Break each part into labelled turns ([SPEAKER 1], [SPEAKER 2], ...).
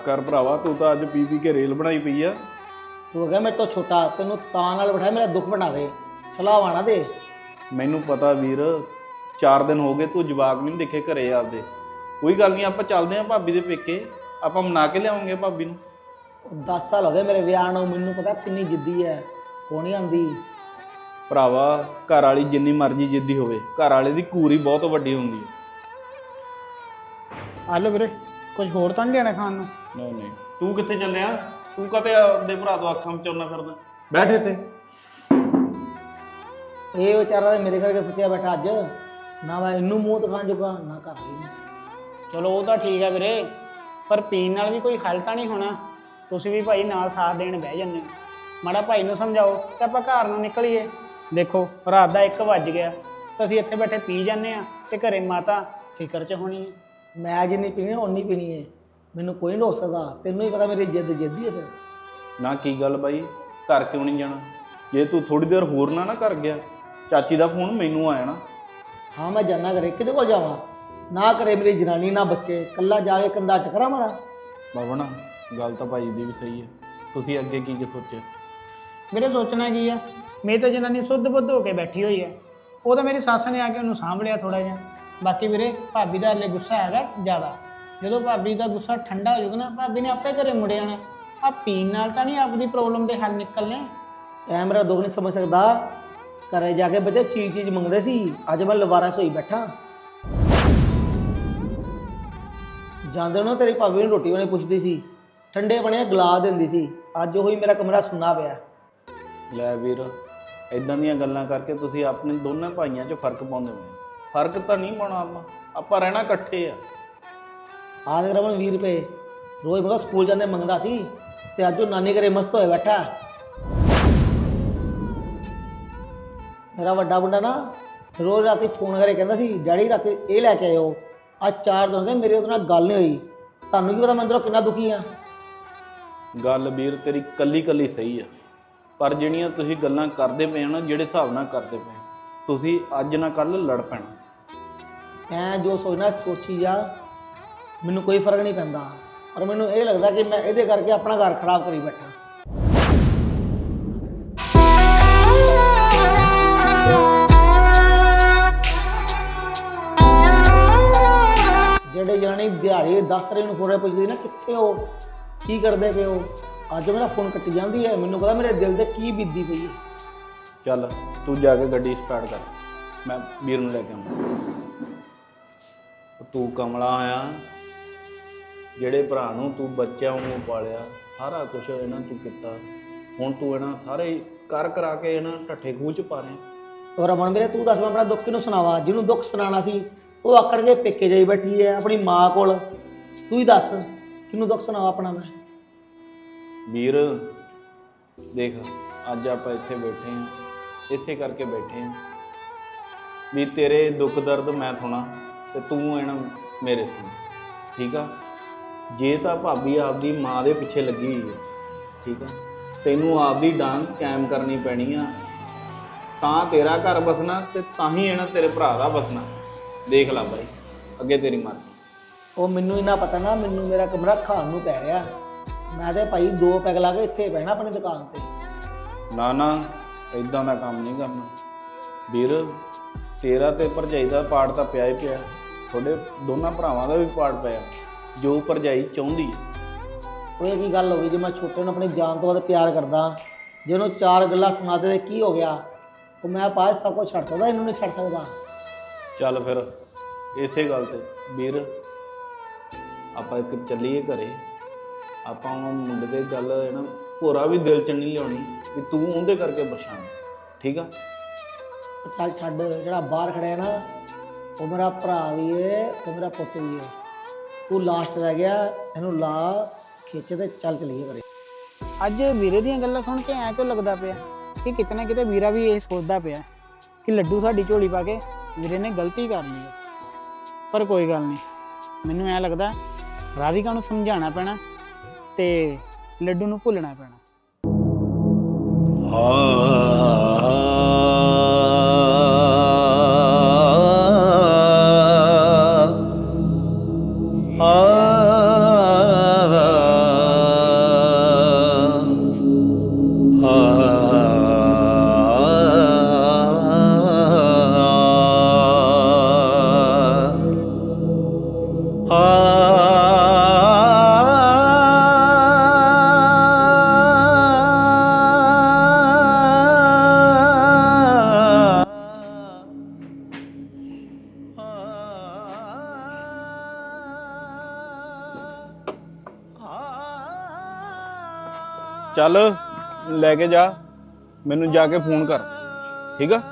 [SPEAKER 1] कर भरावा, तू तो अज पी के रेल बनाई पई आ।
[SPEAKER 2] तू हो गया मेरे तो छोटा, तेन तां नाल बिठाया मेरा दुख बना दे, सलाह आना दे।
[SPEAKER 1] मैनू पता वीर, 4 दिन हो गए तू जवाक नहीं दिखे घरे आपदे। कोई गल नहीं, आप चलते हैं भाभी दे पेके, आप मना के लियावांगे भाभी नूं।
[SPEAKER 2] 10 साल हो गए मेरे विआह नूं, मैनू पता किन्नी जिद्दी है, वो नहीं आंदी।
[SPEAKER 1] भरावा घर वाली जिन्नी मर्जी जिद्दी होवे, घर वाले दी घूर ही बहुत वड्डी हुंदी है।
[SPEAKER 3] ਆ ਲਓ ਵੀਰੇ, ਕੁਝ ਹੋਰ ਤਾਂ ਨਹੀਂ ਲੈਣਾ ਖਾਣ ਨੂੰ?
[SPEAKER 1] नहीं नहीं, तू कित्थे चलिया? तू कदे अपने भरा तो अखां में चोरना फिरदा? बैठ इत्थे।
[SPEAKER 2] ਇਹ ਵਿਚਾਰਾ ਤੇ ਮੇਰੇ ਕਰਕੇ ਫਸਿਆ ਬੈਠਾ ਅੱਜ, ਨਾ ਮੈਂ ਇਹਨੂੰ ਮੂੰਹ ਦਿਖਾਣ ਜੋਗਾ ਨਾ ਕਰ ਲਈ।
[SPEAKER 3] ਚਲੋ ਉਹ ਤਾਂ ਠੀਕ ਹੈ ਵੀਰੇ, ਪਰ ਪੀਣ ਨਾਲ ਵੀ ਕੋਈ ਹੱਲ ਤਾਂ ਨਹੀਂ ਹੋਣਾ। ਤੁਸੀਂ ਵੀ ਭਾਈ ਨਾਲ ਸਾਥ ਦੇਣ ਬਹਿ ਜਾਂਦੇ ਹੋ। ਮਾੜਾ ਭਾਈ ਨੂੰ ਸਮਝਾਓ ਕਿ ਆਪਾਂ ਘਰ ਨੂੰ ਨਿਕਲੀਏ। ਦੇਖੋ ਰਾਤ ਦਾ 1 ਵੱਜ ਗਿਆ ਤਾਂ ਅਸੀਂ ਇੱਥੇ ਬੈਠੇ ਪੀ ਜਾਂਦੇ ਆ ਤੇ ਘਰੇ ਮਾਤਾ ਫਿਕਰ 'ਚ ਹੋਣੀ ਹੈ।
[SPEAKER 2] ਮੈਂ ਜਿੰਨੀ ਪੀਣੀ ਓਨੀ ਪੀਣੀ ਹੈ, ਮੈਨੂੰ ਕੋਈ ਨਹੀਂ ਰੋਕ ਸਕਦਾ। ਤੈਨੂੰ ਹੀ ਪਤਾ ਮੇਰੀ ਜਿੱਦ ਜਿੱਦੀ ਹੈ। ਫਿਰ
[SPEAKER 1] ना की गल बाई, घर क्यों नहीं जाना? जे तू थोड़ी देर होर ना कर गया, चाची का फोन मैनू आया ना।
[SPEAKER 2] हाँ मैं जाना करे, किहदे कोल जावां? ना करे मेरी जनानी ना बच्चे, कल्ला जाके कंधा टकरा मारा।
[SPEAKER 1] बाबा ना गल तो भाई दी भी सही है, तुसीं अगे की सोचे?
[SPEAKER 3] ਵੀਰੇ ਸੋਚਣਾ ਕੀ ਆ, ਮੇਰੀ ਤਾਂ ਜਨਾਨੀ ਸੁੱਧ ਬੁੱਧ ਹੋ ਕੇ ਬੈਠੀ ਹੋਈ ਹੈ। ਉਹ ਤਾਂ ਮੇਰੀ ਸੱਸ ਨੇ ਆ ਕੇ ਉਹਨੂੰ ਸਾਂਭ ਲਿਆ ਥੋੜਾ ਜਿਹਾ। ਬਾਕੀ ਵੀਰੇ ਭਾਬੀ ਦਾ ਹਲੇ ਗੁੱਸਾ ਹੈਗਾ ਜ਼ਿਆਦਾ। ਜਦੋਂ ਭਾਬੀ ਦਾ ਗੁੱਸਾ ਠੰਡਾ ਹੋ ਜਾਊਗਾ ਨਾ, ਭਾਬੀ ਨੇ ਆਪੇ ਘਰੇ ਮੁੜ ਜਾਣਾ। ਆ ਪੀਣ ਨਾਲ ਤਾਂ ਨਹੀਂ ਆਪਦੀ ਪ੍ਰੋਬਲਮ ਦੇ ਹੱਲ ਨਿਕਲਣੇ।
[SPEAKER 2] ਐ ਮੇਰਾ ਦੁੱਖ ਨਹੀਂ ਸਮਝ ਸਕਦਾ। ਘਰੇ ਜਾ ਕੇ ਬੱਚੇ ਚੀਜ਼ ਮੰਗਦੇ ਸੀ, ਅੱਜ ਮੈਂ ਲਵਾਰਾ ਸੋਈ ਬੈਠਾ। ਜਾਂਦੇ ਨੂੰ ਤੇਰੀ ਭਾਬੀ ਨੂੰ ਰੋਟੀ ਵਾਲੇ ਪੁੱਛਦੀ ਸੀ, ਠੰਡੇ ਬਣੇ ਗਲਾ ਦਿੰਦੀ ਸੀ। ਅੱਜ ਉਹੀ ਮੇਰਾ ਕਮਰਾ ਸੁੰਨਾ ਪਿਆ।
[SPEAKER 1] लै वीर, इदां दीयां गल्लां करके तुसीं अपने दोनों भाइयों 'ਚ फर्क पाउंदे हो। फर्क तो नहीं पाउणा, आपां रहना इकट्ठे आ।
[SPEAKER 2] ਆ ਦੇ ਰਮਨ 20 ਰੁਪਏ ਰੋਜ਼ ਮੈਂ ਸਕੂਲ ਜਾਂਦੇ ਮੰਗਦਾ ਸੀ, ਤੇ ਅੱਜ ਉਹ ਨਾਨੀ ਘਰੇ ਮਸਤ ਹੋਏ ਬੈਠਾ। ਮੇਰਾ ਵੱਡਾ ਮੁੰਡਾ ਨਾ ਰੋਜ਼ ਰਾਤੀ ਫੋਨ ਕਰੇ ਕਹਿੰਦਾ ਸੀ, ਡੈਡੀ ਰਾਤੀ ਇਹ ਲੈ ਕੇ ਆਇਓ। ਅੱਜ 4 ਦਿਨ ਹੋ ਗਏ ਮੇਰੇ ਉਹਦੇ ਨਾਲ ਗੱਲ ਨਹੀਂ ਹੋਈ। ਤੁਹਾਨੂੰ ਕੀ ਪਤਾ ਮੈਂ ਅੰਦਰੋਂ ਕਿੰਨਾ ਦੁਖੀ ਆ।
[SPEAKER 1] गल वीर तेरी कल्ली कल्ली सही है, पर ਜਿਹੜੀਆਂ ਤੁਸੀਂ ਗੱਲਾਂ ਕਰਦੇ ਪਏ ਹੋ ਨਾ, ਜਿਹੜੇ ਹਿਸਾਬ ਨਾਲ ਕਰਦੇ ਪਏ ਤੁਸੀਂ ਅੱਜ ਨਾ ਕੱਲ ਲੜ ਪੈਣਾ।
[SPEAKER 2] ਮੈਂ ਜੋ ਸੋਚਣਾ ਸੋਚੀ ਜਾ, ਮੈਨੂੰ ਕੋਈ ਫਰਕ ਨਹੀਂ ਪੈਂਦਾ। ਪਰ ਮੈਨੂੰ ਇਹ ਲੱਗਦਾ ਕਿ ਮੈਂ ਇਹਦੇ ਕਰਕੇ ਆਪਣਾ ਘਰ ਖਰਾਬ ਕਰੀ ਬੈਠਾ। ਜਿਹੜੇ ਜਾਣੀ ਦਿਹਾੜੀ 10 ਰੁਪਏ ਨੂੰ ਫੋਰੇ ਪੁੱਛਦੀ ਨਾ, ਕਿੱਥੇ ਹੋ, ਕੀ ਕਰਦੇ ਪਏ ਹੋ, ਅੱਜ ਮੇਰਾ ਫੋਨ ਕੱਟੀ ਜਾਂਦੀ ਹੈ। ਮੈਨੂੰ ਪਤਾ ਮੇਰੇ ਦਿਲ ਤੇ ਕੀ ਬੀਤਦੀ ਪਈ ਹੈ।
[SPEAKER 1] ਚੱਲ ਤੂੰ ਜਾ ਕੇ ਗੱਡੀ ਸਟਾਰਟ ਕਰ, ਮੈਂ ਵੀਰ ਨੂੰ ਲੈ ਕੇ ਆਉਂਦਾ। ਤੂੰ ਕਮਲਾ ਆਇਆ, ਜਿਹੜੇ ਭਰਾ ਨੂੰ ਤੂੰ ਬੱਚਿਆਂ ਵਾਂਗੂ ਪਾਲਿਆ, ਸਾਰਾ ਕੁਝ ਇਹਨਾਂ ਤੂੰ ਕੀਤਾ, ਹੁਣ ਤੂੰ ਇਹਨਾਂ ਸਾਰੇ ਕਰ ਕਰਾ ਕੇ ਇਹਨਾਂ ਢੱਠੇ ਖੂਹ 'ਚ ਪਾ ਰਿਹਾ।
[SPEAKER 2] ਔਰ ਅਮਨ ਵੀਰੇ ਤੂੰ ਦੱਸ, ਮੈਂ ਆਪਣਾ ਦੁੱਖ ਕਿਹਨੂੰ ਸੁਣਾਵਾਂ? ਜਿਹਨੂੰ ਦੁੱਖ ਸੁਣਾਉਣਾ ਸੀ ਉਹ ਆਕੜ ਕੇ ਪੇਕੇ ਜਾਈ ਬੈਠੀ ਹੈ ਆਪਣੀ ਮਾਂ ਕੋਲ। ਤੂੰ ਹੀ ਦੱਸ ਕਿਹਨੂੰ ਦੁੱਖ ਸੁਣਾਵਾਂ ਆਪਣਾ ਮੈਂ?
[SPEAKER 1] ਵੀਰ ਦੇਖ, ਅੱਜ ਆਪਾਂ ਇੱਥੇ ਬੈਠੇ ਹਾਂ, ਇੱਥੇ ਕਰਕੇ ਬੈਠੇ ਹਾਂ ਵੀ ਤੇਰੇ ਦੁੱਖ ਦਰਦ ਮੈਂ ਸੁਣਾ ਤੇ ਤੂੰ ਇਹਨਾਂ ਮੇਰੇ ਸੁਣ, ਠੀਕ ਆ? ਜੇ ਤਾਂ ਭਾਬੀ ਆਪਦੀ ਮਾਂ ਦੇ ਪਿੱਛੇ ਲੱਗੀ ਹੋਈ ਹੈ, ਠੀਕ ਆ, ਤੈਨੂੰ ਆਪਦੀ ਡਾਂਗ ਕਾਇਮ ਕਰਨੀ ਪੈਣੀ ਆ, ਤਾਂ ਤੇਰਾ ਘਰ ਬਸਣਾ ਤੇ ਤਾਂ ਹੀ ਇਹਨਾਂ ਤੇਰੇ ਭਰਾ ਦਾ ਬਸਣਾ। ਦੇਖ ਲੈ ਬਾਈ, ਅੱਗੇ ਤੇਰੀ ਮਰਜ਼ੀ।
[SPEAKER 2] ਉਹ ਮੈਨੂੰ ਇੰਨਾ ਪਤਾ ਨਾ, ਮੈਨੂੰ ਮੇਰਾ ਕਮਰਾ ਖਾਣ ਨੂੰ ਪੈ ਰਿਹਾ। ਮੈਂ ਤੇ ਭਾਈ 2 ਪੈਗ ਲਾ ਕੇ ਇੱਥੇ ਬਹਿਣਾ ਆਪਣੀ ਦੁਕਾਨ ਤੇ।
[SPEAKER 1] ਨਾ ਨਾ, ਇਦਾਂ ਦਾ ਕੰਮ ਨਹੀਂ ਕਰਨਾ ਵੀਰ। ਤੇਰਾ ਤੇ ਭਰਜਾਈ ਦਾ ਪਾੜ ਤਾਂ ਪਿਆ ਹੀ ਪਿਆ, ਤੁਹਾਡੇ ਦੋਨਾਂ ਭਰਾਵਾਂ ਦਾ ਵੀ ਪਾੜ ਪਿਆ, ਜੋ ਭਰਜਾਈ ਚਾਹੁੰਦੀ ਹੈ।
[SPEAKER 2] ਉਹ ਇਹ ਕੀ ਗੱਲ ਹੋ ਗਈ? ਜੇ ਮੈਂ ਛੋਟੇ ਨੂੰ ਆਪਣੀ ਜਾਨ ਤੋਂ ਵੱਧ ਪਿਆਰ ਕਰਦਾ, ਜੇ ਉਹਨੂੰ 4 ਗੱਲਾਂ ਸੁਣਾ ਦੇ ਤੇ ਕੀ ਹੋ ਗਿਆ? ਉਹ ਮੈਂ ਬਾਅਦ ਸਭ ਕੁਝ ਛੱਡ ਸਕਦਾ, ਇਹਨੂੰ ਨਹੀਂ ਛੱਡ ਸਕਦਾ।
[SPEAKER 1] ਚੱਲ ਫਿਰ ਇਸੇ ਗੱਲ ਤੇ ਵੀਰ ਆਪਾਂ ਇੱਕ ਚੱਲੀਏ ਘਰੇ। ਆਪਾਂ ਉਹ ਮੁੰਡੇ ਦੇ ਗੱਲ ਹੈ ਨਾ, ਭੋਰਾ ਵੀ ਦਿਲ 'ਚ ਨਹੀਂ ਲਿਆਉਣੀ ਵੀ ਤੂੰ ਉਹਦੇ ਕਰਕੇ ਪਰੇਸ਼ਾਨ, ਠੀਕ ਆ?
[SPEAKER 2] ਚੱਲ ਛੱਡ, ਜਿਹੜਾ ਬਾਹਰ ਖੜਿਆ ਨਾ ਉਹ ਮੇਰਾ ਭਰਾ ਵੀ ਹੈ ਤੇ ਮੇਰਾ ਪੁੱਤ ਵੀ ਹੈ। ਤੂੰ ਲਾਸਟ ਰਹਿ ਗਿਆ, ਇਹਨੂੰ ਲਾ ਖਿੱਚ ਤੇ ਚੱਲ ਚਲੀਏ ਘਰੇ।
[SPEAKER 3] ਅੱਜ ਵੀਰੇ ਦੀਆਂ ਗੱਲਾਂ ਸੁਣ ਕੇ ਐਂ ਕਿਉਂ ਲੱਗਦਾ ਪਿਆ ਕਿ ਕਿਤੇ ਨਾ ਕਿਤੇ ਵੀਰਾ ਵੀ ਇਹ ਸੋਚਦਾ ਪਿਆ ਕਿ ਲੱਡੂ ਸਾਡੀ ਝੋਲੀ ਪਾ ਕੇ ਵੀਰੇ ਨੇ ਗਲਤੀ ਕਰ ਲਈ ਹੈ। ਪਰ ਕੋਈ ਗੱਲ ਨਹੀਂ, ਮੈਨੂੰ ਐਂ ਲੱਗਦਾ ਰਾਧਿਕਾ ਨੂੰ ਸਮਝਾਉਣਾ ਪੈਣਾ ਤੇ ਲੱਡੂ ਨੂੰ ਭੁੱਲਣਾ ਪੈਣਾ।
[SPEAKER 4] ਆ
[SPEAKER 1] ਚੱਲ ਲੈ ਕੇ ਜਾ, ਮੈਨੂੰ ਜਾ ਕੇ ਫੋਨ ਕਰ, ਠੀਕ ਆ।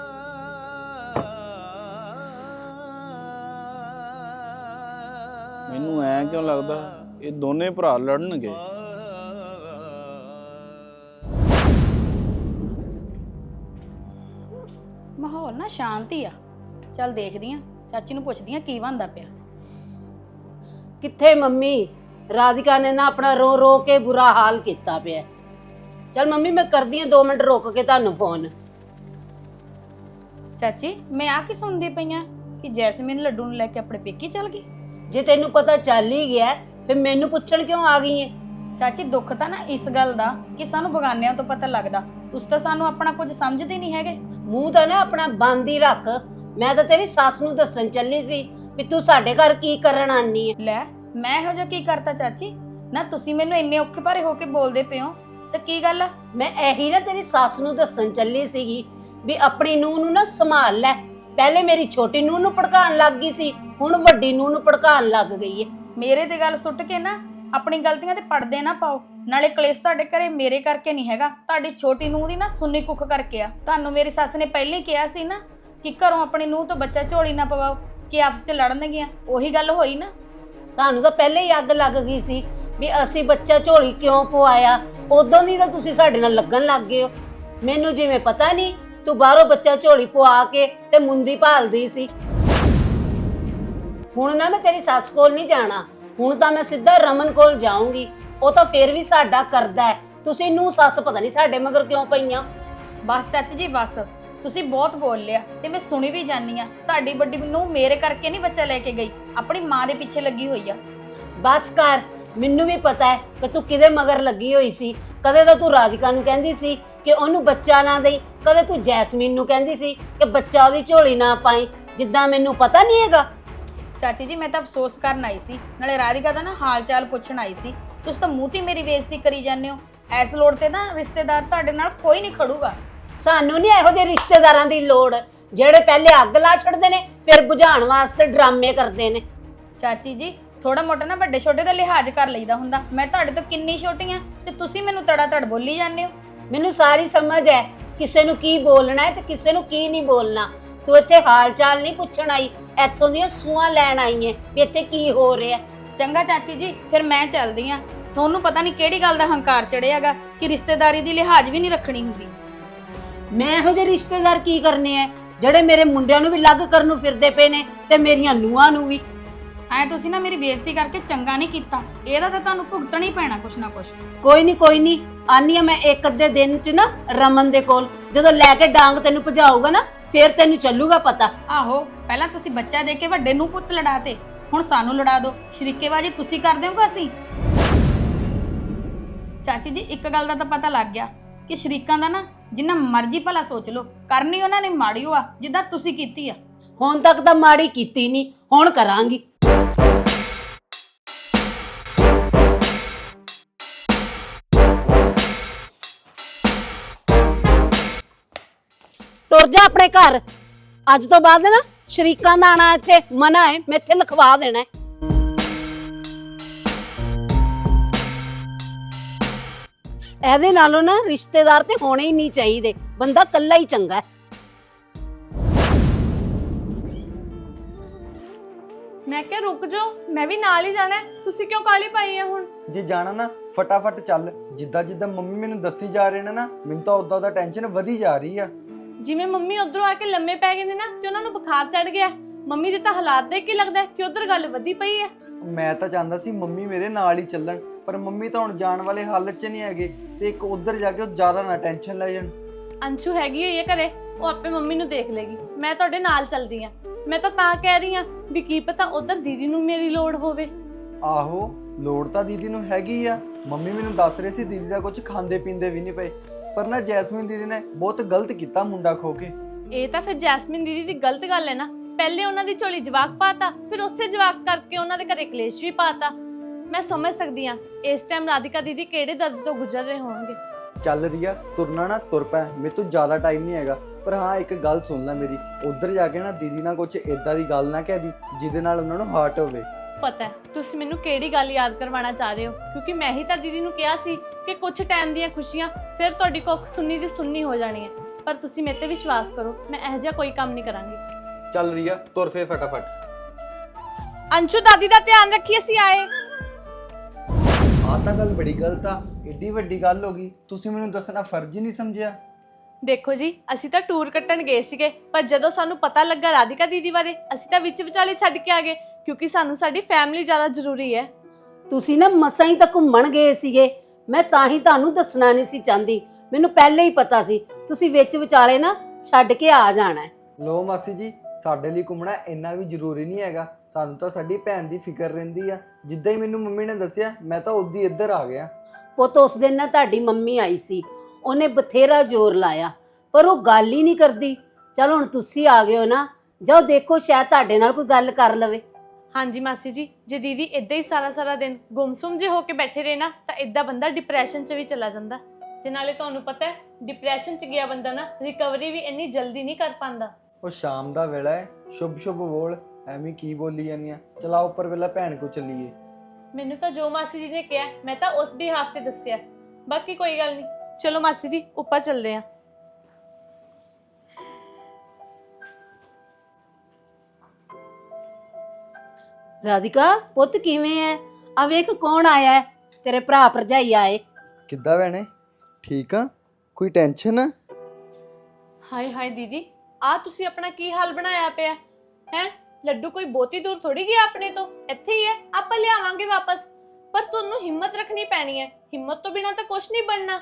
[SPEAKER 1] ਮੈਨੂੰ ਐ ਕਿਉਂ ਲੱਗਦਾ ਇਹ ਦੋਨੇ ਭਰਾ ਲੜਨਗੇ।
[SPEAKER 4] ਮਾਹੌਲ ਨਾ ਸ਼ਾਂਤੀ ਆ। ਚੱਲ ਦੇਖਦੀ ਆ, ਚਾਚੀ ਨੂੰ ਪੁੱਛਦੀ ਆ ਕੀ ਬਣਦਾ ਪਿਆ।
[SPEAKER 5] ਕਿੱਥੇ ਮੰਮੀ? ਰਾਧਿਕਾ ਨੇ ਨਾ ਆਪਣਾ ਰੋ ਰੋ ਕੇ ਬੁਰਾ ਹਾਲ ਕੀਤਾ ਪਿਆ। ਚਲ ਮੰਮੀ ਮੈਂ ਕਰਦੀ ਆ 2 ਮਿੰਟ ਰੁਕ ਕੇ ਤੁਹਾਨੂੰ ਫੋਨ।
[SPEAKER 4] ਚਾਚੀ ਮੈਂ ਆ ਕੀ ਸੁਣਦੀ ਪਈਆਂ ਕਿ ਜੈਸਮੀਨ ਲੱਡੂ ਨੂੰ ਲੈ ਕੇ ਆਪਣੇ ਪੇਕੇ ਚਲ ਗਈ।
[SPEAKER 5] ਜੇ ਤੈਨੂੰ ਪਤਾ ਚੱਲ ਹੀ ਗਿਆ ਫਿਰ ਮੈਨੂੰ ਪੁੱਛਣ ਕਿਉਂ ਆ ਗਈ ਏ?
[SPEAKER 4] ਚਾਚੀ ਦੁੱਖ ਤਾਂ ਨਾ ਇਸ ਗੱਲ ਦਾ ਕਿ ਸਾਨੂੰ ਬਗਾਨਿਆਂ ਤੋਂ ਪਤਾ ਲੱਗਦਾ, ਤੁਸੀਂ ਤਾਂ ਸਾਨੂੰ ਆਪਣਾ ਕੁਝ ਸਮਝਦੇ ਨਹੀਂ ਹੈਗੇ।
[SPEAKER 5] ਮੂੰਹ ਤਾਂ ਨਾ ਆਪਣਾ ਬੰਦ ਹੀ ਰੱਖ। ਮੈਂ ਤਾਂ ਤੇਰੀ ਸੱਸ ਨੂੰ ਦੱਸਣ ਚੱਲੀ ਸੀ ਵੀ ਤੂੰ ਸਾਡੇ ਘਰ ਕੀ ਕਰਨ ਆਨੀ ਏ।
[SPEAKER 4] ਲੈ ਮੈਂ ਇਹੋ ਜਿਹਾ ਕੀ ਕਰਤਾ ਚਾਚੀ? ਨਾ ਤੁਸੀਂ ਮੈਨੂੰ ਇੰਨੇ ਔਖੇ ਭਾਰੇ ਹੋ ਕੇ ਬੋਲਦੇ ਪਏ ਹੋ ਤਾਂ ਕੀ ਗੱਲ ਆ?
[SPEAKER 5] ਮੈਂ ਇਹੀ ਨਾ ਤੇਰੀ ਸੱਸ ਨੂੰ ਦੱਸਣ ਚੱਲੀ ਸੀਗੀ ਵੀ ਆਪਣੀ ਨੂੰਹ ਨੂੰ ਨਾ ਸੰਭਾਲ ਲੈ। ਪਹਿਲੇ ਮੇਰੀ ਛੋਟੀ ਨੂੰਹ ਨੂੰ ਭੜਕਾਉਣ ਲੱਗ ਗਈ ਸੀ, ਹੁਣ ਵੱਡੀ ਨੂੰਹ ਨੂੰ ਭੜਕਾਉਣ ਲੱਗ ਗਈ ਏ।
[SPEAKER 4] ਮੇਰੇ ਤੇ ਗੱਲ ਸੁੱਟ ਕੇ ਨਾ ਆਪਣੀ ਗਲਤੀਆਂ ਤੇ ਪੜਦੇ ਨਾ ਪਾਓ। ਨਾਲੇ ਕਲੇਸ਼ ਤੁਹਾਡੇ ਘਰੇ ਮੇਰੇ ਕਰਕੇ ਨਹੀਂ ਹੈਗਾ, ਤੁਹਾਡੀ ਛੋਟੀ ਨੂੰਹ ਦੀ ਨਾ ਸੁੰਨੀ ਕੁੱਖ ਕਰਕੇ ਆ। ਤੁਹਾਨੂੰ ਮੇਰੀ ਸੱਸ ਨੇ ਪਹਿਲਾਂ ਹੀ ਕਿਹਾ ਸੀ ਨਾ ਕਿ ਘਰੋਂ ਆਪਣੀ ਨੂੰਹ ਤੋਂ ਬੱਚਾ ਝੋਲੀ ਨਾ ਪਵਾਓ ਕਿ ਆਪਸ 'ਚ ਲੜਨਗੀਆਂ। ਉਹੀ ਗੱਲ ਹੋਈ ਨਾ।
[SPEAKER 5] ਤੁਹਾਨੂੰ ਤਾਂ ਪਹਿਲੇ ਹੀ ਅੱਗ ਲੱਗ ਗਈ ਸੀ ਵੀ ਅਸੀਂ ਬੱਚਾ ਝੋਲੀ ਕਿਉਂ ਪਵਾਇਆ। ਉਦੋਂ ਦੀ ਤਾਂ ਤੁਸੀਂ ਸਾਡੇ ਨਾਲ ਲੱਗਣ ਲੱਗ ਗਏ ਹੋ। ਮੈਨੂੰ ਜਿਵੇਂ ਪਤਾ ਨਹੀਂ ਤੂੰ ਬਾਹਰੋਂ ਬੱਚਾ ਝੋਲੀ ਪਵਾ ਕੇ ਤੇ ਮੁੰਦੀ ਭਾਲਦੀ ਸੀ। ਹੁਣ ਨਾ ਮੈਂ ਤੇਰੀ ਸੱਸ ਕੋਲ ਨਹੀਂ ਜਾਣਾ, ਹੁਣ ਤਾਂ ਮੈਂ ਸਿੱਧਾ ਰਮਨ ਕੋਲ ਜਾਊਂਗੀ। ਉਹ ਤਾਂ ਫੇਰ ਵੀ ਸਾਡਾ ਕਰਦਾ ਹੈ। ਤੁਸੀਂ ਨੂੰ ਸੱਸ ਪਤਾ ਨਹੀਂ ਸਾਡੇ ਮਗਰ ਕਿਉਂ ਪਈਆਂ।
[SPEAKER 4] ਬਸ ਚਾਚੀ ਜੀ ਬਸ, ਤੁਸੀਂ ਬਹੁਤ ਬੋਲ ਲਿਆ ਤੇ ਮੈਂ ਸੁਣੀ ਵੀ ਜਾਨੀ ਆ। ਤੁਹਾਡੀ ਵੱਡੀ ਨੂੰ ਮੇਰੇ ਕਰਕੇ ਨਹੀਂ ਬੱਚਾ ਲੈ ਕੇ ਗਈ, ਆਪਣੀ ਮਾਂ ਦੇ ਪਿੱਛੇ ਲੱਗੀ ਹੋਈ ਆ।
[SPEAKER 5] ਬਸ ਕਰ, ਮੈਨੂੰ ਵੀ ਪਤਾ ਹੈ ਕਿ ਤੂੰ ਕਿਹਦੇ ਮਗਰ ਲੱਗੀ ਹੋਈ ਸੀ। ਕਦੇ ਤਾਂ ਤੂੰ ਰਾਧਿਕਾ ਨੂੰ ਕਹਿੰਦੀ ਸੀ ਕਿ ਉਹਨੂੰ ਬੱਚਾ ਨਾ ਦੇਈ, ਕਦੇ ਤੂੰ ਜੈਸਮੀਨ ਨੂੰ ਕਹਿੰਦੀ ਸੀ ਕਿ ਬੱਚਾ ਉਹਦੀ ਝੋਲੀ ਨਾ ਪਾਈ। ਜਿੱਦਾਂ ਮੈਨੂੰ ਪਤਾ ਨਹੀਂ ਹੈਗਾ।
[SPEAKER 4] ਚਾਚੀ ਜੀ ਮੈਂ ਤਾਂ ਅਫਸੋਸ ਕਰਨ ਆਈ ਸੀ, ਨਾਲੇ ਰਾਧਿਕਾ ਦਾ ਨਾ ਹਾਲ ਚਾਲ ਪੁੱਛਣ ਆਈ ਸੀ। ਤੁਸੀਂ ਤਾਂ ਮੂੰਹ ਤੇ ਮੇਰੀ ਬੇਇੱਜ਼ਤੀ ਕਰੀ ਜਾਂਦੇ ਹੋ। ਇਸ ਲੋੜ ਤੇ ਨਾ ਰਿਸ਼ਤੇਦਾਰ ਤੁਹਾਡੇ ਨਾਲ ਕੋਈ ਨਹੀਂ ਖੜੂਗਾ।
[SPEAKER 5] ਸਾਨੂੰ ਨਹੀਂ ਇਹੋ ਜਿਹੇ ਰਿਸ਼ਤੇਦਾਰਾਂ ਦੀ ਲੋੜ ਜਿਹੜੇ ਪਹਿਲੇ ਅੱਗ ਲਾ ਛੱਡਦੇ ਨੇ ਫਿਰ ਬੁਝਾਉਣ ਵਾਸਤੇ ਡਰਾਮੇ ਕਰਦੇ ਨੇ।
[SPEAKER 4] ਚਾਚੀ ਜੀ ਥੋੜਾ ਮੋਟਾ ਨਾ ਵੱਡੇ ਛੋਟੇ ਦਾ ਲਿਹਾਜ਼ ਕਰ ਲਈਦਾ ਹੁੰਦਾ। ਮੈਂ ਤੁਹਾਡੇ ਤੋਂ ਕਿੰਨੀ ਛੋਟੀ ਆ ਤੇ ਤੁਸੀਂ ਮੈਨੂੰ ਤੜਾ ਤੜ ਬੋਲੀ ਜਾਂਦੇ ਹੋ।
[SPEAKER 5] ਮੈਨੂੰ ਸਾਰੀ ਸਮਝ ਹੈ ਕਿਸੇ ਨੂੰ ਕੀ ਬੋਲਣਾ ਹੈ ਤੇ ਕਿਸੇ ਨੂੰ ਕੀ ਨਹੀਂ ਬੋਲਣਾ। ਤੂੰ ਇੱਥੇ ਹਾਲ ਚਾਲ ਨਹੀਂ ਪੁੱਛਣ ਆਈ, ਇੱਥੋਂ ਦੀਆਂ ਸੂਆਂ ਲੈਣ ਆਈ ਹੈ ਵੀ ਇੱਥੇ ਕੀ ਹੋ ਰਿਹਾ।
[SPEAKER 4] ਚੰਗਾ ਚਾਚੀ ਜੀ ਫਿਰ ਮੈਂ ਚੱਲਦੀ ਆ। ਤੁਹਾਨੂੰ ਪਤਾ ਨਹੀਂ ਕਿਹੜੀ ਗੱਲ ਦਾ ਹੰਕਾਰ ਚੜਿਆਗਾ ਕਿ ਰਿਸ਼ਤੇਦਾਰੀ ਦੀ ਲਿਹਾਜ਼ ਵੀ ਨਹੀਂ ਰੱਖਣੀ ਹੁੰਦੀ।
[SPEAKER 5] ਮੈਂ ਇਹੋ ਜਿਹੇ ਰਿਸ਼ਤੇਦਾਰ ਕੀ ਕਰਨੇ ਆ ਜਿਹੜੇ ਮੇਰੇ ਮੁੰਡਿਆਂ ਨੂੰ ਵੀ ਲੱਗ ਕਰਨ ਨੂੰ ਫਿਰਦੇ ਪਏ ਨੇ ਤੇ ਮੇਰੀਆਂ ਨੂੰਹਾਂ ਨੂੰ ਵੀ।
[SPEAKER 4] ਐ ਤੁਸੀਂ ਨਾ ਮੇਰੀ ਬੇਇੱਜ਼ਤੀ ਕਰਕੇ ਚੰਗਾ ਨਹੀਂ ਕੀਤਾ। ਇਹਦਾ ਤਾਂ ਤੁਹਾਨੂੰ ਭੁਗਤਣਾ ਹੀ ਪੈਣਾ ਕੁਛ ਨਾ ਕੁਛ।
[SPEAKER 5] ਕੋਈ ਨਹੀਂ ਆਨੀ ਆ ਮੈਂ ਇੱਕ ਅੱਧੇ ਦਿਨ ਚ ਨਾ ਰਮਨ ਦੇ ਕੋਲ। ਜਦੋਂ ਲੈ ਕੇ ਡਾਂਗ ਤੈਨੂੰ ਭਜਾਊਗਾ ਨਾ ਫੇਰ ਤੈਨੂੰ ਚੱਲੂਗਾ ਪਤਾ।
[SPEAKER 4] ਆਹੋ ਪਹਿਲਾਂ ਤੁਸੀਂ ਬੱਚਾ ਦੇ ਕੇ ਵੱਡੇ ਨੂੰ ਪੁੱਤ ਲੜਾਤੇ, ਹੁਣ ਸਾਨੂੰ ਲੜਾ ਦਿਓ। ਸ਼ਰੀਕੇਬਾਜੀ ਤੁਸੀਂ ਕਰ ਦਿਓਗੇ ਅਸੀਂ। ਚਾਚੀ ਜੀ ਇੱਕ ਗੱਲ ਦਾ ਤਾਂ ਪਤਾ ਲੱਗ ਗਿਆ ਕਿ ਸ਼ਰੀਕਾਂ ਦਾ ਨਾ ਜਿੰਨਾ ਮਰਜ਼ੀ ਭਲਾ ਸੋਚ ਲਓ, ਕਰਨੀ ਉਹਨਾਂ ਨੇ ਮਾੜੀ ਆ ਜਿੱਦਾਂ ਤੁਸੀਂ ਕੀਤੀ ਆ।
[SPEAKER 5] ਹੁਣ ਤੱਕ ਤਾਂ ਮਾੜੀ ਕੀਤੀ ਨਹੀਂ, ਹੁਣ ਕਰਾਂਗੀ। ਤੁਰ ਜਾ ਆਪਣੇ ਘਰ। ਅੱਜ ਤੋਂ ਬਾਅਦ ਨਾ ਸ਼ਰੀਕਾਂ ਦਾ ਆਣਾ ਇੱਥੇ ਮਨਾ ਹੈ। ਮੈਂ ਇੱਥੇ ਲਿਖਵਾ ਦੇਣਾ ਹੈ। ਇਹਦੇ ਨਾਲੋਂ ਨਾ ਰਿਸ਼ਤੇਦਾਰ ਤੇ ਹੋਣੇ ਹੀ ਨਹੀਂ ਚਾਹੀਦੇ, ਬੰਦਾ ਇਕੱਲਾ ਹੀ ਚੰਗਾ ਹੈ।
[SPEAKER 6] ਮੈਂ ਕਿਹਾ ਰੁਕ ਜਾਓ, ਮੈਂ ਵੀ ਨਾਲ ਹੀ ਜਾਣਾ ਹੈ। ਤੁਸੀਂ ਕਿਉਂ ਕਾਹਲੀ ਪਾਈ ਹੈ ਹੁਣ?
[SPEAKER 7] ਜੇ ਜਾਣਾ ਨਾ ਫਟਾਫਟ ਚੱਲ। ਜਿੱਦਾਂ ਜਿੱਦਾਂ ਮੰਮੀ ਮੈਨੂੰ ਦੱਸੀ ਜਾ ਰਹੇ ਨੇ ਨਾ ਮੈਨੂੰ ਤਾਂ ਉਦਾਂ ਦਾ ਟੈਨਸ਼ਨ ਵਧੀ ਜਾ ਰਹੀ ਆ।
[SPEAKER 6] ਜਿਵੇਂ ਮੰਮੀ ਉਧਰੋਂ ਆ ਕੇ ਲੰਮੇ ਪੈ ਗਏ ਨੇ ਨਾ ਤੇ ਉਹਨਾਂ ਨੂੰ ਬੁਖਾਰ ਚੜ ਗਿਆ। ਮੰਮੀ ਦੇ ਤਾਂ ਹਾਲਾਤ ਦੇਖ ਕੇ ਲੱਗਦਾ ਕਿ ਉਧਰ ਗੱਲ ਵਧੀ ਪਈ ਹੈ।
[SPEAKER 7] ਮੈਂ ਤਾਂ ਚਾਹੁੰਦਾ ਸੀ ਮੰਮੀ ਮੇਰੇ ਨਾਲ ਹੀ ਚੱਲਣ, ਪਰ ਮੰਮੀ ਤਾਂ ਹੁਣ ਜਾਣ ਵਾਲੇ ਹਾਲਤ 'ਚ ਨਹੀਂ ਹੈਗੇ ਤੇ ਇੱਕ ਉਧਰ ਜਾ ਕੇ ਉਹ ਜ਼ਿਆਦਾ ਨਾ ਟੈਨਸ਼ਨ ਲੈ ਜਾਣ।
[SPEAKER 6] ਅੰਸ਼ੂ ਹੈਗੀ ਹੋਈ ਹੈ ਘਰੇ, ਉਹ ਆਪੇ ਮੰਮੀ ਨੂੰ ਦੇਖ ਲੇਗੀ। ਮੈਂ ਤੁਹਾਡੇ ਨਾਲ ਚੱਲਦੀ ਆ। ਮੈਂ ਤਾਂ ਕਹਿ ਰਹੀ ਆ ਵੀ ਕੀ ਪਤਾ ਉਧਰ ਦੀਦੀ ਨੂੰ ਮੇਰੀ ਲੋੜ ਹੋਵੇ।
[SPEAKER 7] ਆਹੋ ਲੋੜ ਤਾਂ ਦੀਦੀ ਨੂੰ ਹੈਗੀ ਆ। ਮੰਮੀ ਮੈਨੂੰ ਦੱਸ ਰਹੇ ਸੀ ਦੀਦੀ ਦਾ ਕੁਝ ਖਾਂਦੇ ਪੀਂਦੇ ਵੀ ਨਹੀਂ ਪਏ। ਪਰ ਨਾ ਜੈਸਮੀਨ ਦੀਦੀ ਨੇ ਬਹੁਤ ਗਲਤ ਕੀਤਾ ਮੁੰਡਾ ਖੋ ਕੇ।
[SPEAKER 6] ਇਹ ਤਾਂ ਫਿਰ ਜੈਸਮੀਨ ਦੀਦੀ ਦੀ ਗਲਤ ਗੱਲ ਹੈ ਨਾ। ਪਹਿਲੇ ਉਹਨਾਂ ਦੀ ਝੋਲੀ ਜਵਾਕ ਪਾਤਾ, ਫਿਰ ਉਸੇ ਜਵਾਕ ਕਰਕੇ ਉਹਨਾਂ ਦੇ ਘਰੇ ਕਲੇਸ਼ ਵੀ ਪਾਤਾ। ਮੈਂ ਸਮਝ ਸਕਦੀ ਆ ਇਸ ਟਾਈਮ ਰਾਧਿਕਾ ਦੀਦੀ ਕਿਹੜੇ ਦਰਦ ਤੋਂ ਗੁਜ਼ਰ ਰਹੇ ਹੋਣਗੇ।
[SPEAKER 7] ਚੱਲ ਰੀਆ, ਤੁਰਨਾ ਨਾ ਤੁਰ ਪੈ, ਮੇਰੇ ਤੋਂ ਜ਼ਿਆਦਾ ਟਾਈਮ ਨਹੀਂ ਹੈਗਾ। ਪਰ ਹਾਂ ਇੱਕ ਗੱਲ ਸੁਣ ਲੈ ਮੇਰੀ, ਉੱਧਰ ਜਾ ਕੇ ਨਾ ਦੀਦੀ ਨਾਲ ਕੁਝ ਇਦਾਂ ਦੀ ਗੱਲ ਨਾ ਕਹਿ ਦੀ ਜਿਹਦੇ ਨਾਲ ਉਹਨਾਂ ਨੂੰ ਹਰਟ ਹੋਵੇ।
[SPEAKER 6] ਪਤਾ ਹੈ ਤੁਸੀਂ ਮੈਨੂੰ ਕਿਹੜੀ ਗੱਲ ਯਾਦ ਕਰਵਾਉਣਾ ਚਾਹ ਰਹੇ ਹੋ, ਕਿਉਂਕਿ ਮੈਂ ਹੀ ਤਾਂ ਦੀਦੀ ਨੂੰ ਕਿਹਾ ਸੀ ਕਿ ਕੁਝ ਟਾਈਮ ਦੀਆਂ ਖੁਸ਼ੀਆਂ ਫਿਰ ਤੁਹਾਡੀ ਕੁੱਖ ਸੁੰਨੀ ਦੀ ਸੁੰਨੀ ਹੋ ਜਾਣੀ ਹੈ। ਪਰ ਤੁਸੀਂ ਮੇਰੇ ਤੇ ਵਿਸ਼ਵਾਸ ਕਰੋ, ਮੈਂ ਇਹੋ ਜਿਹਾ ਕੋਈ ਕੰਮ ਨਹੀਂ ਕਰਾਂਗੀ।
[SPEAKER 7] ਚੱਲ ਰੀਆ, ਤੁਰ ਫੇ ਫਟਾਫਟ।
[SPEAKER 6] ਅੰਸ਼ੂ ਦਾਦੀ ਦਾ ਧਿਆਨ ਰੱਖੀ, ਅਸੀਂ ਆਏ।
[SPEAKER 7] ਆਹ ਤਾਂ ਗੱਲ ਬੜੀ ਗਲਤ ਆ, ਏਡੀ ਵੱਡੀ ਗੱਲ ਹੋ ਗਈ, ਤੁਸੀਂ ਮੈਨੂੰ ਦੱਸਣਾ ਫਰਜ਼ ਹੀ ਨਹੀਂ ਸਮਝਿਆ।
[SPEAKER 6] ਦੇਖੋ ਜੀ, ਅਸੀਂ ਤਾਂ ਟੂਰ ਕੱਟਣ ਗਏ ਸੀਗੇ, ਪਰ ਜਦੋਂ ਸਾਨੂੰ ਪਤਾ ਲੱਗਾ ਰਾਧਿਕਾ ਦੀਦੀ ਬਾਰੇ, ਅਸੀਂ ਤਾਂ ਵਿੱਚ ਵਿਚਾਲੇ ਛੱਡ ਕੇ ਆ ਗਏ, ਕਿਉਂਕਿ ਸਾਨੂੰ ਸਾਡੀ ਫੈਮਿਲੀ ਜ਼ਿਆਦਾ ਜ਼ਰੂਰੀ ਹੈ।
[SPEAKER 5] ਤੁਸੀਂ ਨਾ ਮਸਾਂ ਹੀ ਤਾਂ ਘੁੰਮਣ ਗਏ ਸੀਗੇ, ਮੈਂ ਤਾਂ ਹੀ ਤੁਹਾਨੂੰ ਦੱਸਣਾ ਨਹੀਂ ਸੀ ਚਾਹੁੰਦੀ। ਮੈਨੂੰ ਪਹਿਲੇ ਹੀ ਪਤਾ ਸੀ ਤੁਸੀਂ ਵਿੱਚ ਵਿਚਾਲੇ ਨਾ ਛੱਡ ਕੇ ਆ ਜਾਣਾ ਹੈ।
[SPEAKER 7] ਲੋ ਮਾਸੀ ਜੀ, ਸਾਡੇ ਲਈ ਘੁੰਮਣਾ ਇੰਨਾ ਵੀ ਜ਼ਰੂਰੀ ਨਹੀਂ ਹੈਗਾ। ਸਾਨੂੰ ਤਾਂ ਸਾਡੀ ਭੈਣ ਦੀ ਫਿਕਰ ਰਹਿੰਦੀ ਆ। ਜਿੱਦਾਂ ਹੀ ਮੈਨੂੰ ਮੰਮੀ ਨੇ ਦੱਸਿਆ, ਮੈਂ ਤਾਂ ਉਦੋਂ ਹੀ ਇੱਧਰ ਆ ਗਿਆ।
[SPEAKER 5] ਪੁੱਤ ਉਸ ਦਿਨ ਨਾ ਤੁਹਾਡੀ ਮੰਮੀ ਆਈ ਸੀ, ਉਹਨੇ ਬਥੇਰਾ ਜ਼ੋਰ ਲਾਇਆ ਪਰ ਉਹ ਗੱਲ ਹੀ ਨਹੀਂ ਕਰਦੀ। ਚਲ ਹੁਣ ਤੁਸੀਂ ਆ ਗਏ ਹੋ ਨਾ, ਜਾਓ ਦੇਖੋ ਸ਼ਾਇਦ ਤੁਹਾਡੇ ਨਾਲ ਕੋਈ ਗੱਲ ਕਰ ਲਵੇ।
[SPEAKER 6] ਹਾਂਜੀ ਮਾਸੀ ਜੀ, ਜੇ ਦੀਦੀ ਇਦਾਂ ਹੀ ਸਾਰਾ ਦਿਨ ਗੁੰਮਸੁੰਮ ਜੇ ਹੋ ਕੇ ਬੈਠੇ ਰਹੇ ਨਾ, ਤਾਂ ਇਦਾਂ ਬੰਦਾ ਡਿਪਰੈਸ਼ਨ 'ਚ ਵੀ ਚਲਾ ਜਾਂਦਾ। ਤੇ ਨਾਲੇ ਤੁਹਾਨੂੰ ਪਤਾ ਹੈ, ਡਿਪਰੈਸ਼ਨ 'ਚ ਗਿਆ ਬੰਦਾ ਨਾ ਰਿਕਵਰੀ ਵੀ ਇੰਨੀ ਜਲਦੀ ਨਹੀਂ ਕਰ ਪਾਉਂਦਾ।
[SPEAKER 7] ਉਹ ਸ਼ਾਮ ਦਾ ਵੇਲਾ ਹੈ, ਸ਼ੁਭ ਸ਼ੁਭ ਬੋਲ, ਐਵੇਂ ਕੀ ਬੋਲੀ ਜਾਂਦੀਆਂ। ਚਲਾ ਉੱਪਰ ਵੇਲਾ ਭੈਣ ਕੋ ਚੱਲੀਏ।
[SPEAKER 6] ਮੈਨੂੰ ਤਾਂ ਜੋ ਮਾਸੀ ਜੀ ਨੇ ਕਿਹਾ ਮੈਂ ਤਾਂ ਉਸ ਬਿਹਾਫ ਤੇ ਦੱਸਿਆ, ਬਾਕੀ ਕੋਈ ਗੱਲ ਨਹੀਂ। ਚਲੋ ਮਾਸੀ ਜੀ ਉੱਪਰ ਚੱਲਦੇ ਹਾਂ।
[SPEAKER 5] ਰਾਧਿਕਾ ਪੁੱਤ ਕਿਵੇਂ ਐ? ਆ ਵੇਖ ਕੌਣ ਆਇਆ ਹੈ, ਤੇਰੇ ਭਰਾ ਭਰਜਾਈ ਆਏ।
[SPEAKER 7] ਕਿੱਦਾਂ ਭੈਣੇ, ਠੀਕ ਆ? ਕੋਈ ਟੈਨਸ਼ਨ ਆ?
[SPEAKER 6] ਹਾਏ ਹਾਏ ਦੀਦੀ, ਆ ਤੁਸੀਂ ਆਪਣਾ ਕੀ ਹਾਲ ਬਣਾਇਆ ਪਿਆ ਹੈ? ਲੱਡੂ ਕੋਈ ਬਹੁਤੀ ਦੂਰ ਥੋੜੀ ਗਿਆ ਆਪਣੇ ਤੋਂ, ਇੱਥੇ ਹੀ ਹੈ, ਆਪਾਂ ਲਿਆਵਾਂਗੇ ਵਾਪਸ। ਪਰ ਤੁਹਾਨੂੰ ਹਿੰਮਤ ਰੱਖਣੀ ਪੈਣੀ ਹੈ, ਹਿੰਮਤ ਤੋਂ ਬਿਨਾ ਤਾਂ ਕੁਝ ਨਹੀਂ ਬਣਨਾ।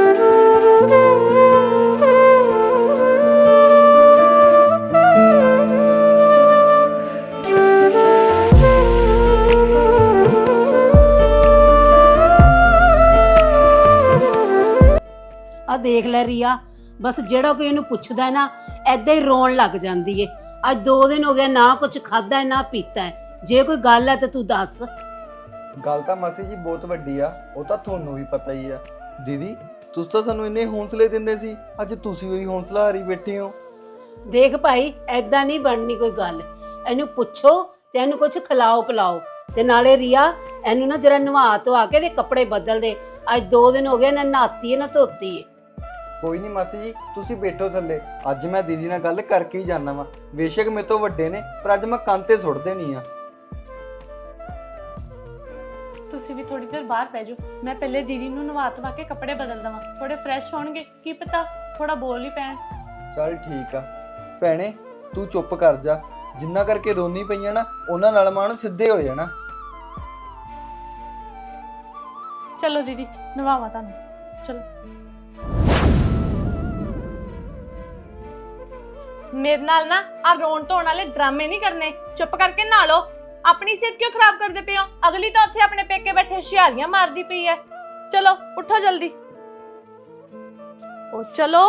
[SPEAKER 5] ਆ ਦੇਖ ਲੈ ਰੀਆ, ਬਸ ਜਿਹੜਾ ਕੋਈ ਇਹਨੂੰ ਪੁੱਛਦਾ ਨਾ ਐਦਾਂ ਹੀ ਰੋਣ ਲੱਗ ਜਾਂਦੀ ਏ। ਅੱਜ 2 ਦਿਨ ਹੋ ਗਏ ਨਾ ਕੁਝ ਖਾਦਾ ਨਾ ਪੀਤਾ ਹੈ। ਜੇ ਕੋਈ ਗੱਲ ਹੈ ਤੇ ਤੂੰ ਦੱਸ।
[SPEAKER 7] ਗੱਲ ਤਾਂ ਮਾਸੀ ਜੀ ਬਹੁਤ ਵੱਡੀ ਆ, ਉਹ ਤਾਂ ਤੁਹਾਨੂੰ ਵੀ ਪਤਾ ਹੀ ਆ। ਦੀਦੀ ਤੁਸੀਂ ਤਾਂ ਸਾਨੂੰ ਇੰਨੇ ਹੌਸਲੇ ਦਿੰਦੇ ਸੀ, ਅੱਜ ਤੁਸੀਂ ਉਹੀ ਹੌਸਲਾ ਹਾਰੀ ਬੈਠੇ ਹੋ।
[SPEAKER 5] ਦੇਖ ਭਾਈ, ਐਦਾਂ ਨਹੀਂ ਬਣਨੀ ਕੋਈ ਗੱਲ। ਇਹਨੂੰ ਪੁੱਛੋ ਤੇ ਇਹਨੂੰ ਕੁਝ ਖਿਲਾਓ ਪਿਲਾਓ, ਤੇ ਨਾਲੇ ਰੀਆ ਇਹਨੂੰ ਨਾ ਜਰਾ ਨਵਾ ਧਵਾ ਕੇ ਦੇ ਕੱਪੜੇ ਬਦਲ ਦੇ। ਅੱਜ 2 ਦਿਨ ਹੋ ਗਏ ਨਾ ਨਹਾਤੀ ਹੈ ਨਾ ਧੋਤੀ ਹੈ।
[SPEAKER 7] ਕੋਈ ਨਹੀਂ ਮਾਸੀ ਜੀ, ਤੁਸੀਂ ਬੈਠੋ ਥੱਲੇ। ਅੱਜ ਮੈਂ ਦੀਦੀ ਨਾਲ ਗੱਲ ਕਰਕੇ ਹੀ ਜਾਣਾ ਵਾ। ਬੇਸ਼ੱਕ ਮੇਰੇ ਤੋਂ ਵੱਡੇ ਨੇ, ਪਰ ਅੱਜ ਮੈਂ ਕੰਨ ਤੇ ਸੁੱਟਦੇ ਨਹੀਂ ਆ।
[SPEAKER 6] ਤੁਸੀਂ ਵੀ ਥੋੜੀ ਦੇਰ ਬਾਹਰ ਬਹਿ ਜਾਓ, ਮੈਂ ਪਹਿਲੇ ਦੀਦੀ ਨੂੰ ਨਵਾ ਧਵਾ ਕੇ ਕੱਪੜੇ ਬਦਲ ਦਵਾਂ, ਥੋੜੇ ਫਰੈਸ਼ ਹੋਣਗੇ, ਕੀ ਪਤਾ ਥੋੜਾ ਬੋਲ ਹੀ ਪੈਣ।
[SPEAKER 7] ਚੱਲ ਠੀਕ ਆ ਭੈਣੇ, ਤੂੰ ਚੁੱਪ ਕਰ ਜਾ। ਜਿੰਨਾ ਕਰਕੇ ਰੋਣੀ ਪਈਆਂ ਨਾ, ਉਹਨਾਂ ਨਾਲ ਮਾਣ ਸਿੱਧੇ ਹੋ ਜਾਣਾ।
[SPEAKER 6] ਚਲੋ ਦੀਦੀ ਨਵਾਵਾ ਤੁਹਾਨੂੰ, ਚਲੋ। ਮੇਰੇ ਨਾਲ ਨਾ ਆ ਰੋਣ ਧੋਣ ਵਾਲੇ ਡਰਾਮੇ ਨਹੀਂ ਕਰਨੇ, ਚੁੱਪ ਕਰਕੇ ਨਹਾ ਲਓ। ਆਪਣੀ ਸਿਹਤ ਕਿਉਂ ਖਰਾਬ ਕਰਦੇ ਪਏ ਹੋ? ਅਗਲੀ ਤਾਂ ਉੱਥੇ ਆਪਣੇ ਪੇਕੇ ਬੈਠੇ ਹੁਸ਼ਿਆਰੀਆਂ ਮਾਰਦੀ ਪਈ ਹੈ। ਚਲੋ ਉੱਠੋ ਜਲਦੀ, ਉਹ ਚਲੋ।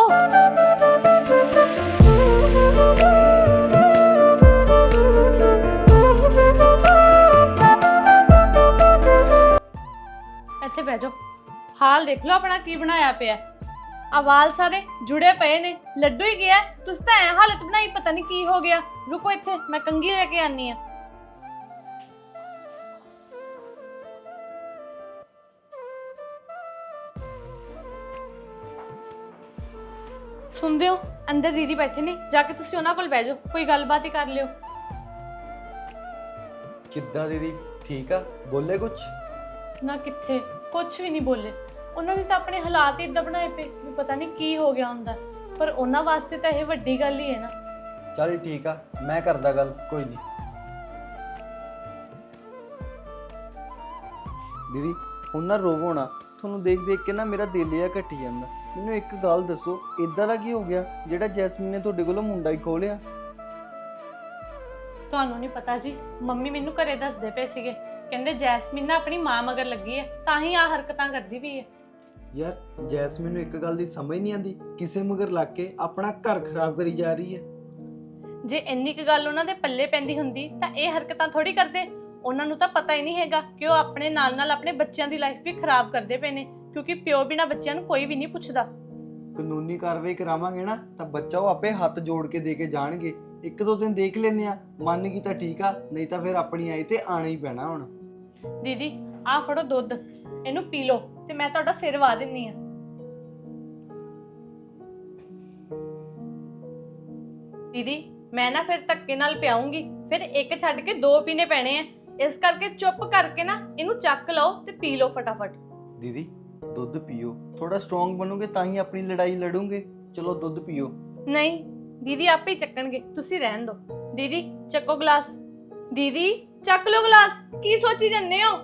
[SPEAKER 6] ਇੱਥੇ ਬਹਿ ਜਾਓ, ਹਾਲ ਦੇਖ ਲਓ ਆਪਣਾ ਕੀ ਬਣਾਇਆ ਪਿਆ। ਆ ਵਾਲ ਸਾਰੇ ਜੁੜੇ ਪਏ ਨੇ, ਲੱਡੂ ਹੀ ਗਿਆ। ਤੁਸੀਂ ਤਾਂ ਐ ਹਾਲਤ ਬਣਾਈ, ਪਤਾ ਨਹੀਂ ਕੀ ਹੋ ਗਿਆ। ਰੁਕੋ ਇੱਥੇ, ਮੈਂ ਕੰਘੀ ਲੈ ਕੇ ਆਨੀ ਆ। ਸੁਣਦੇ ਹੋ, ਅੰਦਰ ਦੀਦੀ ਬੈਠੇ ਨੇ, ਜਾ ਕੇ ਤੁਸੀਂ ਉਹਨਾਂ ਕੋਲ ਬਹਿ ਜਾਓ, ਕੋਈ ਗੱਲਬਾਤ ਹੀ ਕਰ ਲਿਓ।
[SPEAKER 7] ਕਿੱਦਾਂ ਦੀਦੀ, ਠੀਕ ਆ? ਬੋਲੇ ਕੁਛ?
[SPEAKER 6] ਨਾ ਕਿੱਥੇ, ਕੁਝ ਵੀ ਨਹੀਂ ਬੋਲੇ। ਉਹਨਾਂ ਨੇ ਤਾਂ ਆਪਣੇ ਹਾਲਾਤ ਹੀ ਇਦਾਂ ਬਣਾਏ ਪਏ ਵੀ ਪਤਾ ਨਹੀਂ ਕੀ ਹੋ ਗਿਆ ਹੁੰਦਾ, ਪਰ ਉਹਨਾਂ ਵਾਸਤੇ ਤਾਂ ਇਹ ਵੱਡੀ ਗੱਲ ਹੀ ਹੈ ਨਾ।
[SPEAKER 7] ਚੱਲ ਠੀਕ ਆ, ਮੈਂ ਕਰਦਾ ਗੱਲ, ਕੋਈ ਨਹੀਂ। ਦੀਦੀ ਹੁਣ ਨਾ ਰੋਵੋ ਨਾ, ਤੁਹਾਨੂੰ ਦੇਖ ਦੇਖ ਕੇ ਨਾ ਮੇਰਾ ਦਿਲ ਜਿਹਾ ਘਟੀ ਜਾਂਦਾ। ਮੈਨੂੰ ਇੱਕ ਗੱਲ ਦੱਸੋ, ਇਦਾਂ ਦਾ ਕੀ ਹੋ ਗਿਆ ਜਿਹੜਾ ਜੈਸਮੀਨ ਨੇ ਤੁਹਾਡੇ ਕੋਲੋਂ ਮੁੰਡਾ ਹੀ ਖੋਹ ਲਿਆ?
[SPEAKER 6] ਤੁਹਾਨੂੰ ਨਹੀਂ ਪਤਾ ਜੀ, ਮੰਮੀ ਮੈਨੂੰ ਘਰੇ ਦੱਸਦੇ ਪਏ ਸੀਗੇ, ਕਹਿੰਦੇ ਜੈਸਮੀਨ ਨਾ ਆਪਣੀ ਮਾਂ ਮਗਰ ਲੱਗੀ ਹੈ, ਤਾਂ ਹੀ ਆ ਹਰਕਤਾਂ ਕਰਦੀ ਵੀ ਹੈ।
[SPEAKER 7] ਯਾਰ ਜੈਸਮੀਨ ਨੂੰ ਇੱਕ ਗੱਲ ਦੀ ਸਮਝ ਨਹੀਂ ਆਉਂਦੀ, ਕਿਸੇ ਮਗਰ ਲੱਗ ਕੇ ਆਪਣਾ ਘਰ ਖਰਾਬ ਕਰੀ ਜਾ ਰਹੀ ਹੈ।
[SPEAKER 6] ਜੇ ਇੰਨੀ ਕੁ ਗੱਲ ਉਹਨਾਂ ਦੇ ਪੱਲੇ ਪੈਂਦੀ ਹੁੰਦੀ ਤਾਂ ਇਹ ਹਰਕਤਾਂ ਥੋੜੀ ਕਰਦੇ। ਉਹਨਾਂ ਨੂੰ ਤਾਂ ਪਤਾ ਹੀ ਨਹੀਂ ਹੈਗਾ ਕਿ ਉਹ ਆਪਣੇ ਨਾਲ ਨਾਲ ਆਪਣੇ ਬੱਚਿਆਂ ਦੀ ਲਾਈਫ ਵੀ ਖਰਾਬ ਕਰਦੇ ਪਏ ਨੇ, ਕਿਉਂਕਿ ਪਿਓ ਬਿਨਾ ਬੱਚਿਆਂ ਨੂੰ ਕੋਈ ਵੀ ਨਹੀਂ ਪੁੱਛਦਾ।
[SPEAKER 7] ਕਾਨੂੰਨੀ ਕਾਰਵਾਈ ਕਰਾਵਾਂਗੇ ਨਾ ਤਾਂ ਬੱਚਾ ਉਹ ਆਪੇ ਹੱਥ ਜੋੜ ਕੇ ਦੇ ਕੇ ਜਾਣਗੇ। ਇੱਕ ਦੋ ਦਿਨ ਦੇਖ ਲੈਂਦੇ ਆ, ਮੰਨ ਗਈ ਤਾਂ ਠੀਕ ਆ, ਨਹੀਂ ਤਾਂ ਫਿਰ ਆਪਣੀ ਆਈ ਤੇ ਆਣਾ ਹੀ ਪੈਣਾ ਹੁਣ।
[SPEAKER 6] ਦੀਦੀ ਆਹ ਫੜੋ ਦੁੱਧ, ਇਹਨੂੰ ਪੀ ਲਓ ਤੇ ਮੈਂ ਤੁਹਾਡਾ ਸਿਰ ਵਾ ਦਿੰਨੀ ਆ। ਦੀਦੀ ਮੈਂ ਨਾ ਫਿਰ ਧੱਕੇ ਨਾਲ ਪਿਆਉਂਗੀ, ਫਿਰ ਇੱਕ ਛੱਡ ਕੇ ਦੋ ਪੀਣੇ ਪੈਣੇ ਆ। ਇਸ ਕਰਕੇ ਚੁੱਪ ਕਰਕੇ ਨਾ ਇਹਨੂੰ ਚੱਕ ਲਓ ਤੇ ਪੀ ਲਓ ਫਟਾਫਟ।
[SPEAKER 7] ਦੀਦੀ ਦੁੱਧ ਪੀਓ, ਥੋੜਾ ਸਟਰੋਂਗ ਬਣੋਗੇ ਤਾਂ ਹੀ ਆਪਣੀ ਲੜਾਈ ਲੜੋਗੇ। ਚਲੋ ਦੁੱਧ ਪੀਓ।
[SPEAKER 6] ਨਹੀਂ ਦੀਦੀ ਆਪੇ ਹੀ ਚੱਕਣਗੇ, ਤੁਸੀਂ ਰਹਿਣ ਦਿਓ। ਦੀਦੀ ਚੱਕੋ ਗਲਾਸ। ਦੀਦੀ ਚੱਕ ਲਓ ਗਲਾਸ, ਕੀ ਸੋਚੀ ਜੰਨੇ ਹੋ?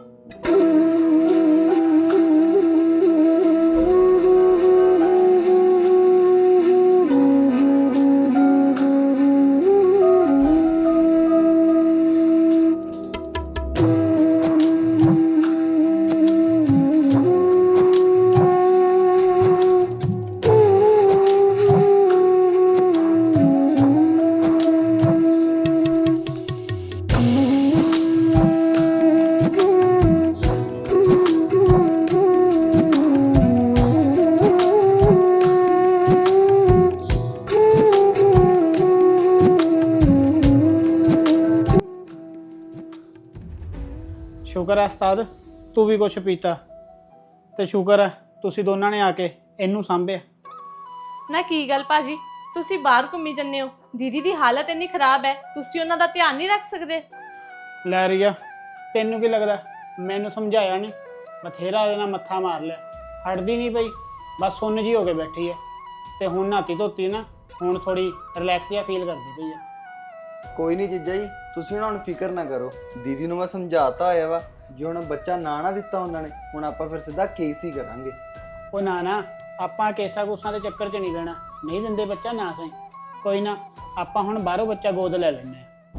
[SPEAKER 3] ਸ਼ੁਕਰ ਹੈ ਉਸਤਾਦ ਤੂੰ ਵੀ ਕੁਛ ਪੀਤਾ, ਤੇ ਸ਼ੁਕਰ ਹੈ ਤੁਸੀਂ ਦੋਨਾਂ ਨੇ ਆ ਕੇ ਇਹਨੂੰ ਸਾਂਭਿਆ।
[SPEAKER 6] ਨਾ ਕੀ ਗੱਲ ਭਾਜੀ, ਤੁਸੀਂ ਬਾਹਰ ਘੁੰਮੀ ਜੰਨੇ ਹੋ, ਦੀਦੀ ਦੀ ਹਾਲਤ ਇੰਨੀ ਖਰਾਬ ਹੈ, ਤੁਸੀਂ ਉਹਨਾਂ ਦਾ ਧਿਆਨ ਨਹੀਂ ਰੱਖ ਸਕਦੇ?
[SPEAKER 3] ਲੈ ਰੀਆ ਤੈਨੂੰ ਕੀ ਲੱਗਦਾ ਮੈਨੂੰ ਸਮਝਾਇਆ ਨਹੀਂ? ਬਥੇਰਾ ਇਹਦੇ ਨਾਲ ਮੱਥਾ ਮਾਰ ਲਿਆ, ਹਟਦੀ ਨਹੀਂ ਪਈ, ਬਸ ਸੁੰਨ ਜੀ ਹੋ ਕੇ ਬੈਠੀ ਹੈ। ਤੇ ਹੁਣ ਨਹਾਤੀ ਧੋਤੀ ਨਾ, ਹੁਣ ਥੋੜੀ ਰਿਲੈਕਸ ਜਿਹਾ ਫੀਲ ਕਰਦੀ ਪਈ ਹੈ।
[SPEAKER 7] ਕੋਈ ਨਹੀਂ ਜੀਜਾ ਜੀ, ਤੁਸੀਂ ਹੁਣ ਫਿਕਰ ਨਾ ਕਰੋ। ਦੀਦੀ ਨੂੰ ਮੈਂ ਸਮਝਾਤਾ ਹੋਇਆ ਵਾ, ਜੇ ਹੁਣ ਬੱਚਾ ਨਾ ਦਿੱਤਾ ਉਹਨਾਂ ਨੇ, ਹੁਣ ਆਪਾਂ ਫਿਰ ਸਿੱਧਾ ਕੇਸ ਹੀ ਕਰਾਂਗੇ।
[SPEAKER 3] ਉਹ ਨਾ ਆਪਾਂ ਕੇਸਾਂ ਕੂਸਾਂ ਦੇ ਚੱਕਰ 'ਚ ਨਹੀਂ ਰਹਿਣਾ, ਨਹੀਂ ਦਿੰਦੇ ਬੱਚਾ ਨਾ ਸਹੀ, ਕੋਈ ਨਾ ਆਪਾਂ ਹੁਣ ਬਾਹਰੋਂ ਬੱਚਾ ਗੋਦ ਲੈ ਲੈਂਦੇ ਹਾਂ।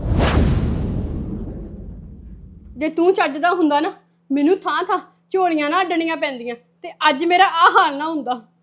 [SPEAKER 8] ਜੇ ਤੂੰ ਚੱਜਦਾ ਹੁੰਦਾ ਨਾ, ਮੈਨੂੰ ਥਾਂ ਥਾਂ ਝੋਲੀਆਂ ਨਾ ਅੱਡਣੀਆਂ ਪੈਂਦੀਆਂ ਤੇ ਅੱਜ ਮੇਰਾ ਆਹ ਹਾਲ ਨਾ ਹੁੰਦਾ।